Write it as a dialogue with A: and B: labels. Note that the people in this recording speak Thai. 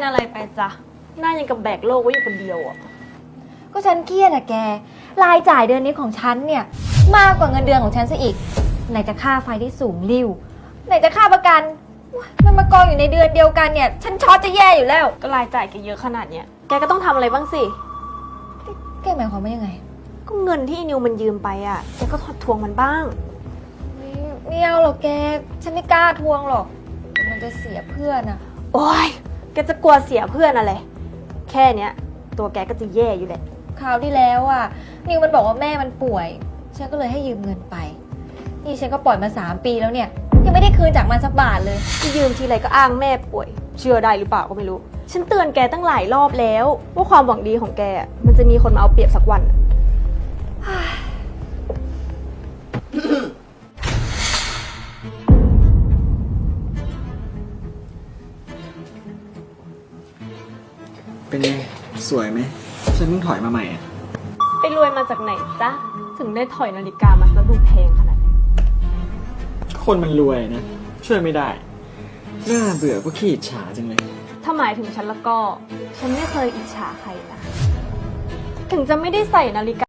A: อะไรไปจ๊ะหน้ายังกับแบกโลกไว้อยู่คนเดียวอ่ะ
B: ก็ฉันเครียดอะแกรายจ่ายเดือนนี้ของฉันเนี่ยมากกว่าเงินเดือนของฉันซะอีกไหนจะค่าไฟที่สูงริ่วไหนจะค่าประกันมันมากองอยู่ในเดือนเดียวกันเนี่ยฉันช็อตจะแย่อยู่แล้ว
A: ก็รายจ่ายแกเยอะขนาดเนี้ยแกก็ต้องทำอะไรบ้างสิ
B: แกหมายความว่ายังไง
A: ก็เงินที่นิวมันยืมไปอ่ะแกก็ทวงมันบ้าง
B: ไม่เอาหรอกแกฉันไม่กล้าทวงหรอกมันจะเสียเพื่อนอะ
A: โอ๊ยแกจะกลัวเสียเพื่อนอะไรแค่เนี้ยตัวแกก็จะแย่อยู่แหละ
B: คราวที่แล้วอะนิวมันบอกว่าแม่มันป่วยฉันก็เลยให้ยืมเงินไปนี่ฉันก็ปล่อยมา3 ปีแล้วเนี่ยยังไม่ได้คืนจากมันสักบาทเลย
A: ที่ยืมทีไรก็อ้างแม่ป่วยเชื่อได้หรือเปล่าก็ไม่รู้ฉันเตือนแกตั้งหลายรอบแล้วว่าความหวังดีของแกมันจะมีคนมาเอาเปรียบสักวัน
C: เป็นไงสวยไหมฉันเพิ่งถอยมาใหม่อ่ะ
A: ไปรวยมาจากไหนจ๊ะถึงได้ถอยนาฬิกามาซะดูแพงขนาดนี้
C: คนมันรวยนะช่วยไม่ได้น่าเบื่อก็ขี้อิจฉาจังเลย
A: ถ้าหมายถึงฉันแล้วก็ฉันไม่เคยอิจฉาใครนะถึงจะไม่ได้ใส่นาฬิกา